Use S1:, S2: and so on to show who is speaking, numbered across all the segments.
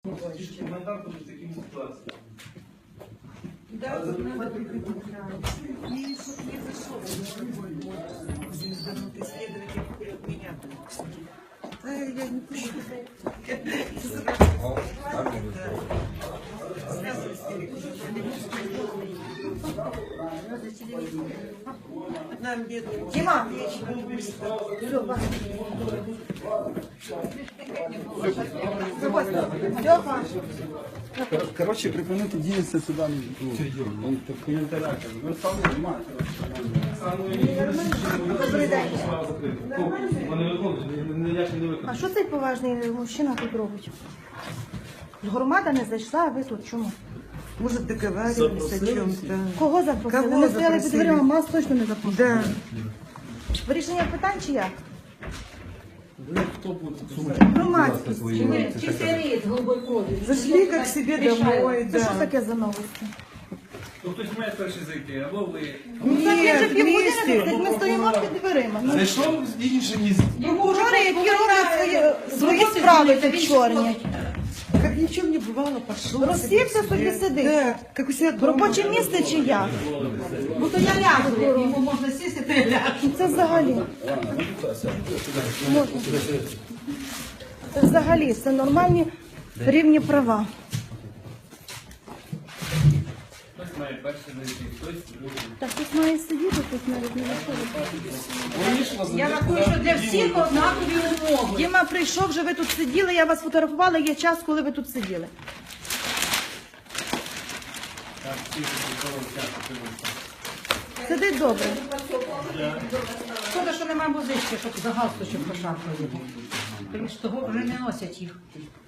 S1: Коментар буде в такій ситуації.
S2: Да, надо прекратить. И чтоб не зашел. Исследователь от меня. Да, я не пишу. Нам бедным. Дима!
S3: Короче, припинити діятися сюди не буде. В коментарях. Ви самі знімаєте.
S4: Добрий день.
S1: Вони виконують, я ще не виконую.
S4: А що цей поважний мужчина тут робить? Громада не зайшла, а ви тут чому?
S2: Может, договаривались о чем-то.
S4: Кого запросили?
S2: Кого
S4: Не стояли під
S2: запросили?
S4: дверима, нас точно не запросили.
S2: Да.
S4: Вирішення питань чи як?
S3: Ви хто буде?
S4: Громадськість.
S5: Чистый голубой крови.
S2: Зашли как к себе домой,
S4: Це що
S2: да.
S4: таке за новості?
S1: То хтось має перший зайти, або ви.
S4: Ну, так є вже
S2: Нет,
S4: півгодини,
S2: вместе.
S4: ми стоїмо під дверима. Ну,
S1: Зайшов інший ніж.
S4: прокурори, які роблять свої справи тут чорні.
S2: Как ни в чем не бывало, пошел.
S4: Розсівся собі сидить.
S2: Да, как у себя дома.
S4: Робоче місце чи як?
S5: Ну то я лягу, йому можна сісти, то я лягу.
S4: Це взагалі. Можна. Це взагалі, це нормальні рівні права.
S1: Хтось має перший зайти, хтось другий.
S4: Так тут має сидіти, тут навіть не виходить.
S5: Я рахую, що для всіх однакові умови.
S4: Діма прийшов, вже ви тут сиділи, я вас фотографувала, є час, коли ви тут сиділи.
S1: Так, всі часу.
S4: Сидить добре.
S5: Шкода, що немає музички, щоб за галстучок пошарпали. Тому що того вже не носять їх.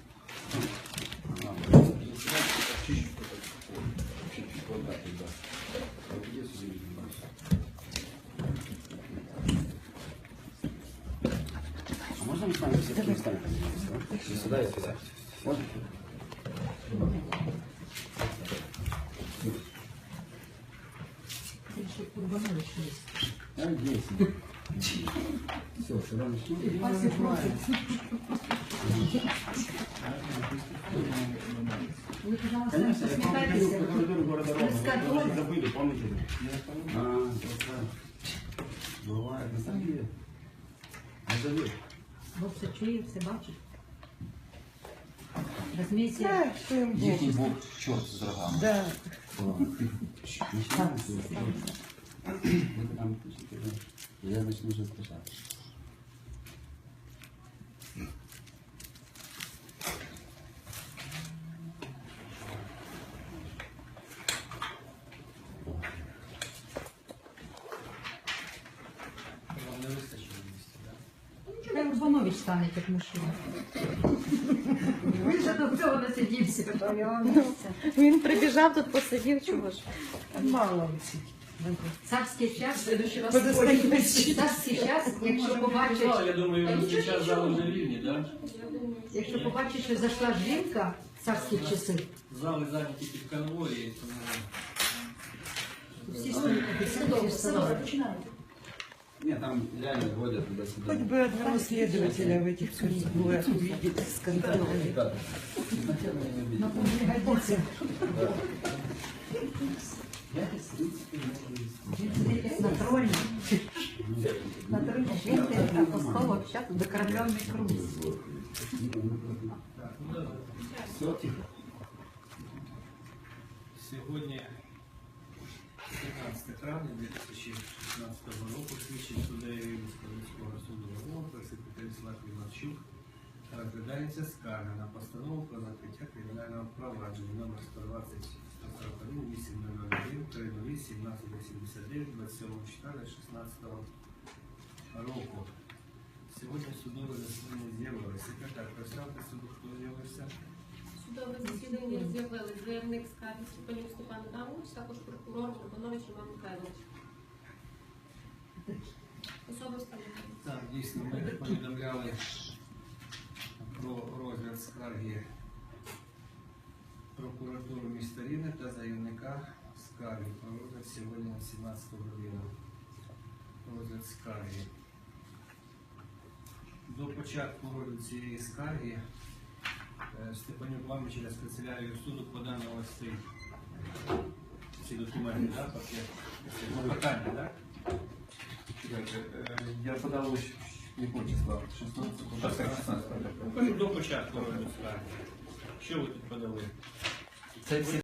S3: А можна ми з вами все-таки встанемо? Сюди і сюди. Можна? А, есть. Все, сюда начнем. Конечно, я помню, по коридору города Рома. Вы забыли, помните? А, бывает, на самом деле. Не забыл.
S5: Бо все чує, все бачить. Розумієте?
S2: Да, что им Бог.
S3: Їхній Бог чорт з рогами.
S2: Да.
S3: Начинаем. Ви там пишете, я начну вже спочатку.
S1: Вам не вистачило місця, так?
S5: Хай Урбанович стане, як мужчина. Він же до цього насидівся.
S4: Він прибіжав тут, посидів, чого ж.
S2: Мало.
S5: Царський час,
S2: Подостоїть.
S5: царський час, якщо побачить,
S1: Я думаю, зараз зал вже вільні, так?
S5: якщо побачить, що зайшла жінка в царські часи,
S1: Зали зайняті під конвої, тому...
S5: всі стоять, всі стоять.
S3: Ні, там реально водять туди-сюди.
S2: Хоть бы одного следователя в этих конвоях увидеть с контролем.
S3: Так. Изначально я не видел. Я здесь, в принципе,
S5: На троне. На троне жінки апостолов, зараз докормлений круг.
S3: Все, тихо.
S1: Сьогодні 15 травня 2016 року слідчий суддею Рівненського міського суду Львова, секретар Славій Марчук, розглядається скарга на постанову про закриття кримінального провадження номер 120 141 801 308 1789 27 числа 16 року. Сьогодні судове засідання з'явилося. Секретар, представте суду, хто з'явився?
S6: Судове засідання з'явили заявник скарги Степанюк Степан Адамович, також прокурор Урбанович Роман Михайлович. Особи встановлені.
S1: Так, дійсно, ми повідомляли про розгляд скарги прокуратури міста Рівне та заявника скарги. Про розгляд сьогодні на 17 годину. Розгляд скарги. До початку розгляду цієї скарги Степанюк вам через канцелярію суду подано ось ці документи, так, пакет? Питання, так?
S7: Я подав якого числа? 16.
S1: До початку розгляду справи. Що ви тут подали?
S7: Це всі